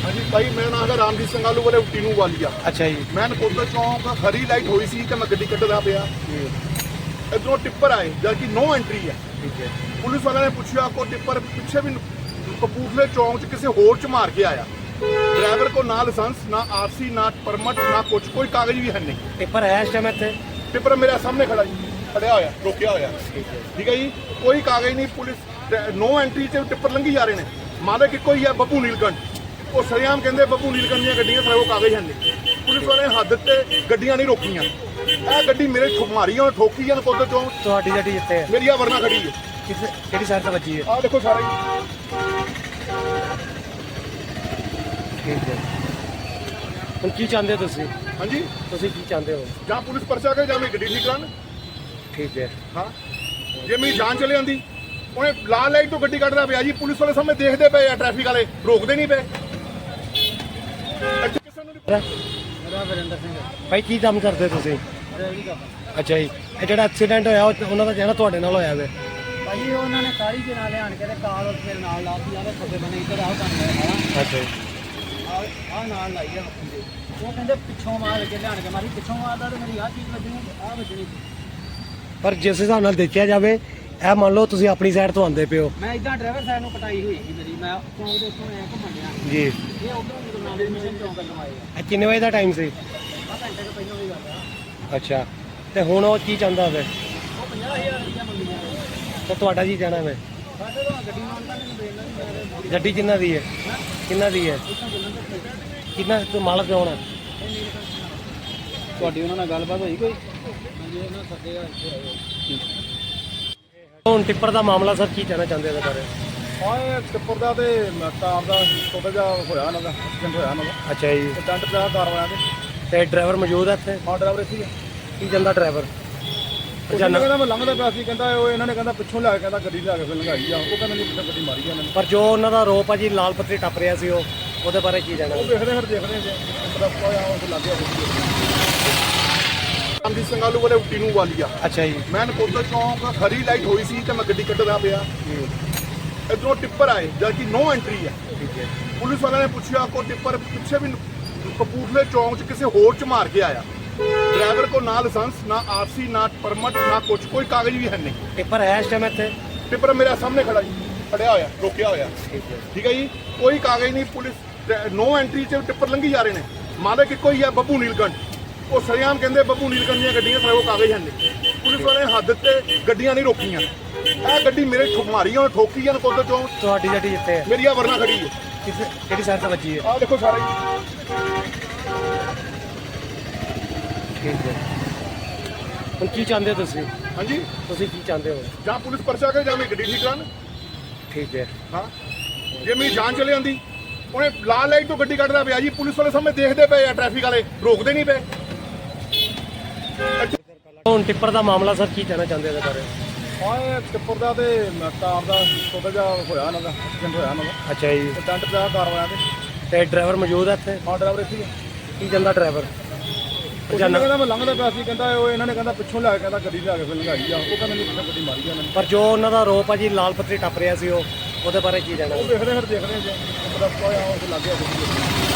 हाँ जी भाई, मेरा नाम है रामजीत ਸਿੰਘ ਆਲੂ ਵਾਲੇ टीनू वालिया। ਅੱਛਾ ਜੀ। मैं नकोदर चौक हरी लाइट हुई सी तो मैं गड्डी कटदा पिया, इधरों टिप्पर आए जबकि नो एंट्री है। ਠੀਕ ਹੈ। पुलिस वाले ने पूछा को टिप्पर पिछे भी कपूरथले चौक च किसी होर च मार के आया। ड्राइवर को ना लाइसेंस ना आरसी ना परमिट ना कुछ, कोई कागज भी है नहीं। ਪੇਪਰ ਹੈ ਇਸ ਟਾਈਮ ਇੱਥੇ? टिप्पर मेरे सामने खड़ा जी, खड़िया होया रोकिया होया। ठीक है जी, कोई कागज नहीं। पुलिस नो एंट्री से टिप्पर लंघी जा रहे हैं। मालिक इको ही है ਬੱਬੂ ਨੀਲਕੰਠ, ਉਹ ਸਰਿਆਮ ਕਹਿੰਦੇ ਬੱਬੂ ਨੀਲਕੰਠ ਦੀਆਂ ਗੱਡੀਆਂ ਸਾਰੇ ਉਹ ਕਾਗਜ਼ ਹਨ ਨਹੀਂ। ਪੁਲਿਸ ਵਾਲੇ ਹੱਦ ਤੇ ਗੱਡੀਆਂ ਨਹੀਂ ਰੋਕੀਆਂ। ਇਹ ਗੱਡੀ ਮੇਰੇ ਮਾਰੀ ਉਹਨੇ ਠੋਕੀ ਆ ਨਕੋਦਰ ਚੋਂ। ਤੁਹਾਡੀ ਗੱਡੀ ਜਿੱਥੇ ਹੈ? ਮੇਰੀ ਆ ਵਰਨਾ ਖੜੀ ਹੈ। ਕਿਹੜੀ ਸਾਈਡ ਤੇ ਵੱਜੀ ਹੈ? ਆਹ ਦੇਖੋ ਸਾਰਾ ਹੀ। ਠੀਕ ਹੈ। ਹੁਣ ਕੀ ਚਾਹੁੰਦੇ ਹੋ ਤੁਸੀਂ? ਹਾਂਜੀ, ਤੁਸੀਂ ਕੀ ਚਾਹੁੰਦੇ ਹੋ? ਜਾਂ ਪੁਲਿਸ ਪਰਚਾ ਕਰੇ ਜਾਂ ਮੇਰੀ ਗੱਡੀ ਠੀਕ ਕਰਾਉਣ। ਠੀਕ ਹੈ। ਹਾਂ, ਜੇ ਮੇਰੀ ਜਾਨ ਚਲੇ ਜਾਂਦੀ ਉਹਨੇ ਲਾਲ ਲਾਈਟ ਤੋਂ ਗੱਡੀ ਕੱਢਦਾ ਪਿਆ ਜੀ। ਪੁਲਿਸ ਵਾਲੇ ਸਾਹਮਣੇ ਦੇਖਦੇ ਪਏ ਆ, ਟ੍ਰੈਫਿਕ ਵਾਲੇ ਰੋਕਦੇ ਨਹੀਂ ਪਏ। ਇੱਥੇ ਕਿਸੇ ਨੂੰ ਨਹੀਂ। ਮੇਰਾ ਵਰਿੰਦਰ ਸਿੰਘ ਭਾਈ ਕੀ ਕੰਮ ਕਰਦੇ ਤੁਸੀਂ? ਡਰਾਈਵਰੀ ਕਰਦਾ ਅੱਛਾ ਜੀ। ਇਹ ਜਿਹੜਾ ਐਕਸੀਡੈਂਟ ਹੋਇਆ ਉਹਨਾਂ ਦਾ ਕਹਿਣਾ ਤੁਹਾਡੇ ਨਾਲ ਹੋਇਆ ਵੇ? ਭਾਜੀ ਉਹਨਾਂ ਨੇ ਕਾਲੀ ਦੇ ਨਾਲ ਲਿਆਣ ਕੇ ਤੇ ਕਾਰ ਉੱਤੇ ਨਾਲ ਲਾਤੀ ਆਵੇ ਖੱਬੇ ਬੰਨੇ ਇੱਧਰ ਆਓ ਕੰਮ ਹੈ ਅੱਛਾ ਜੀ। ਆ ਨਾਲ ਲਾਈ ਆ ਮੱਖੀ ਦੇ। ਉਹ ਕਹਿੰਦੇ ਪਿੱਛੋਂ ਮਾਰ ਕੇ ਲਿਆਣ ਕੇ ਮਾਰੀ, ਪਿੱਛੋਂ ਮਾਰਦਾ ਤੇ ਮੇਰੀ ਆਹ ਚੀਜ਼ ਵੱਜਣੀ, ਆਹ ਵੱਜਣੀ। ਪਰ ਜਿਸ ਹਿਸਾਬ ਨਾਲ ਦੇਖਿਆ ਜਾਵੇ ਇਹ ਮੰਨ ਲਓ ਤੁਸੀਂ ਆਪਣੀ ਸਾਈਡ ਤੋਂ ਆਉਂਦੇ ਪਿਓ ਮੈਂ ਇਦਾਂ ਡਰਾਈਵਰ ਸਾਈਡ ਨੂੰ ਕਟਾਈ ਹੋਈ ਸੀ ਮੇਰੀ, ਮੈਂ ਚੌਂਕ ਦੇ ਉੱਤੋਂ ਐ ਘੁੰਮਣ ਡਿਆ ਜੀ। ਇਹ ਉਧਰੋਂ ਗੁਰੂ ਨਾਨਕ ਮਿਸ਼ਨ ਚੌਂਕ ਵੱਲੋਂ ਆਏ ਆ। ਇਹ ਕਿੰਨੇ ਵਜੇ ਦਾ ਟਾਈਮ ਸੀ? ਆਹ ਘੰਟੇ ਤੋਂ ਪਹਿਲਾਂ ਵੀ ਗੱਲ ਆ। ਅੱਛਾ, ਤੇ ਹੁਣ ਉਹ ਕੀ ਚਾਹੁੰਦਾ ਵੇ? ਉਹ 50,000 ਰੁਪਇਆ ਮੰਗੀਆਂ ਨੇ। ਤੇ ਤੁਹਾਡਾ ਕੀ ਕਹਿਣਾ ਵੇ? ਸਾਡੇ ਤੋਂ ਗੱਡੀ ਮਾਨਤਾ ਨਹੀਂ ਦੇਣਾ ਨਹੀਂ ਮੇਰੇ ਗੱਡੀ ਕਿੰਨਾ ਦੀ ਹੈ? ਕਿੰਨਾ ਦੀ ਹੈ? ਇੱਥੋਂ ਜਲੰਧਰ ਤੋਂ ਕਿੰਨਾ ਤੂੰ ਮਾਲਕ ਕੌਣ ਹੈ? ਤੁਹਾਡੀ ਉਹਨਾਂ ਨਾਲ ਗੱਲਬਾਤ ਹੋਈ ਕੋਈ? ਹਾਂਜੀ, ਉਹਨਾਂ ਸੱਦੇ ਆ ਇੱਥੇ ਆਏ। ਹੁਣ ਟਿੱਪਰ ਦਾ ਮਾਮਲਾ ਸਰ ਕੀ ਕਹਿਣਾ ਚਾਹੁੰਦੇ ਇਹਦੇ ਬਾਰੇ? ਹਾਂ, ਟਿੱਪਰ ਦਾ ਤੇ ਕਾਰ ਦਾ ਛੋਟਾ ਜਿਹਾ ਹੋਇਆ ਉਹਨਾਂ ਦਾ ਐਕਸੀਡੈਂਟ ਹੋਇਆ ਉਹਨਾਂ ਦਾ। ਅੱਛਾ ਜੀ। ਟੈਂਟ ਪਿਆ ਕਾਰ ਵਾਲਿਆਂ ਦੇ। ਤੇ ਡਰਾਈਵਰ ਮੌਜੂਦ ਹੈ ਇੱਥੇ? ਹਾਂ, ਡਰਾਈਵਰ ਇੱਥੇ ਹੀ ਆ। ਕੀ ਜਾਂਦਾ ਡਰਾਈਵਰ? ਕਹਿੰਦਾ ਮੈਂ ਲੰਘਦਾ ਪਿਆ ਸੀ, ਕਹਿੰਦਾ ਉਹ ਇਹਨਾਂ ਨੇ ਕਹਿੰਦਾ ਪਿੱਛੋਂ ਲਿਆ ਕੇ ਕਹਿੰਦਾ ਗੱਡੀ ਲਿਆ ਕੇ ਫਿਰ ਲੰਘਾਈ ਆ। ਉਹ ਕਹਿੰਦਾ ਨਹੀਂ ਪਿੱਛੇ ਗੱਡੀ ਮਾਰੀ ਆ ਇਹਨਾਂ ਨੇ। ਪਰ ਜੋ ਉਹਨਾਂ ਦਾ ਆਰੋਪ ਆ ਜੀ ਲਾਲ ਪੱਤਰੀ ਟੱਪ ਰਿਹਾ ਸੀ ਉਹਦੇ ਬਾਰੇ ਕੀ ਜਾਣਾ? ਉਹ ਦੇਖਦੇ ਜੇ ਪਤਾ ਆ ਉਹ ਲੱਗ ਗਿਆ। ਰਾਮਜੀਤ ਸਿੰਘ ਆਲੂ ਵਾਲੇ टीनू वालिया। ਅੱਛਾ ਜੀ। ਮੈਂ ਨਕੋਦਰ ਚੌਕ ਹਰੀ ਲਾਈਟ ਹੋਈ ਸੀ ਤੇ ਮੈਂ ਗੱਡੀ ਕੱਢਦਾ ਪਿਆ, ਇਧਰੋਂ ਟਿੱਪਰ ਆਏ ਜਦਕਿ ਨੋ ਐਂਟਰੀ ਹੈ। ਠੀਕ ਹੈ। ਪੁਲਿਸ ਵਾਲਿਆਂ ਨੇ ਪੁੱਛਿਆ ਕੋ ਟਿੱਪਰ ਪਿੱਛੇ ਵੀ ਕਪੂਰਥਲੇ ਚੌਂਕ 'ਚ ਕਿਸੇ ਹੋਰ 'ਚ ਮਾਰ ਕੇ ਆਇਆ। ਡਰਾਈਵਰ ਕੋ ਨਾ ਲਾਇਸੈਂਸ ਨਾ ਆਰਸੀ ਨਾ परमिट ना कुछ, कोई कागज भी है नहीं। ਪੇਪਰ ਹੈ ਇਸ ਟਾਈਮ ਇੱਥੇ? ਟਿੱਪਰ ਮੇਰੇ ਸਾਹਮਣੇ ਖੜਾ ਜੀ, ਖੜਿਆ ਹੋਇਆ ਰੋਕਿਆ ਹੋਇਆ। ਠੀਕ ਹੈ। ਠੀਕ ਹੈ ਜੀ, ਕੋਈ ਕਾਗਜ਼ ਨਹੀਂ। ਪੁਲਿਸ ਨੋ ਐਂਟਰੀ 'ਚ ਟਿੱਪਰ ਲੰਘੀ ਜਾ ਰਹੇ ਨੇ। ਮਾਲਕ ਇੱਕੋ ਹੀ ਹੈ ਬੱਬੂ ਨੀਲਕੰਠ, ਉਹ ਸਰਿਆਮ ਕਹਿੰਦੇ ਬੱਬੂ ਨੀਲਕੰਠ ਦੀਆਂ ਗੱਡੀਆਂ ਸਾਰੇ ਉਹ ਕਾਗਜ਼ ਹਨ ਨਹੀਂ। ਪੁਲਿਸ ਵਾਲੇ ਹੱਦ ਤੇ ਗੱਡੀਆਂ ਨਹੀਂ ਰੋਕੀਆਂ। ਇਹ ਗੱਡੀ ਮੇਰੇ ਮਾਰੀ ਉਹਨੇ ਠੋਕੀ ਆ ਨਕੋਦਰ ਚੋਂ। ਤੁਹਾਡੀ ਗੱਡੀ ਜਿੱਥੇ ਹੈ? ਮੇਰੀ ਆ ਵਰਨਾ ਖੜੀ ਹੈ। ਕਿਹੜੀ ਸਾਈਡ ਤੇ ਵੱਜੀ ਹੈ? ਆਹ ਦੇਖੋ ਸਾਰਾ ਹੀ। ਠੀਕ ਹੈ। ਹੁਣ ਕੀ ਚਾਹੁੰਦੇ ਹੋ ਤੁਸੀਂ? ਹਾਂਜੀ, ਤੁਸੀਂ ਕੀ ਚਾਹੁੰਦੇ ਹੋ? ਜਾਂ ਪੁਲਿਸ ਪਰਚਾ ਕਰੇ ਜਾਂ ਮੇਰੀ ਗੱਡੀ ਠੀਕ ਕਰਾਉਣ। ਠੀਕ ਹੈ। ਹਾਂ, ਜੇ ਮੇਰੀ ਜਾਨ ਚਲੇ ਜਾਂਦੀ ਉਹਨੇ ਲਾਲ ਲਾਈਟ ਤੋਂ ਗੱਡੀ ਕੱਢਦਾ ਪਿਆ ਜੀ। ਪੁਲਿਸ ਵਾਲੇ ਸਾਹਮਣੇ ਦੇਖਦੇ ਪਏ ਆ, ਟ੍ਰੈਫਿਕ ਵਾਲੇ ਰੋਕਦੇ ਨਹੀਂ ਪਏ। ਹੁਣ ਟਿੱਪਰ ਦਾ ਮਾਮਲਾ ਸਰ ਕੀ ਕਹਿਣਾ ਚਾਹੁੰਦੇ ਇਹਦੇ ਬਾਰੇ? ਹਾਂ, ਟਿੱਪਰ ਦਾ ਤੇ ਕਾਰ ਦਾ ਛੋਟਾ ਜਿਹਾ ਹੋਇਆ ਉਹਨਾਂ ਦਾ ਐਕਸੀਡੈਂਟ ਹੋਇਆ ਉਹਨਾਂ ਦਾ। ਅੱਛਾ ਜੀ। ਟੈਂਟ ਪਿਆ ਕਾਰ ਵਾਲਿਆਂ ਦੇ। ਤੇ ਡਰਾਈਵਰ ਮੌਜੂਦ ਹੈ ਇੱਥੇ? ਹਾਂ, ਡਰਾਈਵਰ ਇੱਥੇ ਹੀ ਆ। ਕੀ ਜਾਂਦਾ ਡਰਾਈਵਰ? ਕਹਿੰਦਾ ਮੈਂ ਲੰਘਦਾ ਪਿਆ ਸੀ, ਕਹਿੰਦਾ ਉਹ ਇਹਨਾਂ ਨੇ ਕਹਿੰਦਾ ਪਿੱਛੋਂ ਲਿਆ ਕੇ ਕਹਿੰਦਾ ਗੱਡੀ ਲਿਆ ਕੇ ਫਿਰ ਲੰਘਾਈ ਆ। ਉਹ ਕਹਿੰਦਾ ਨਹੀਂ ਪਿੱਛੇ ਗੱਡੀ ਮਾਰੀ ਆ ਇਹਨਾਂ ਨੇ। ਪਰ ਜੋ ਉਹਨਾਂ ਦਾ ਆਰੋਪ ਆ ਜੀ ਲਾਲ ਪੱਤਰੀ ਟੱਪ ਰਿਹਾ ਸੀ ਉਹਦੇ ਬਾਰੇ ਕੀ ਜਾਣਾ? ਉਹ ਦੇਖਦੇ ਜੇ ਪਤਾ ਆ ਉਹ ਲੱਗ ਗਿਆ ਗੱਡੀ।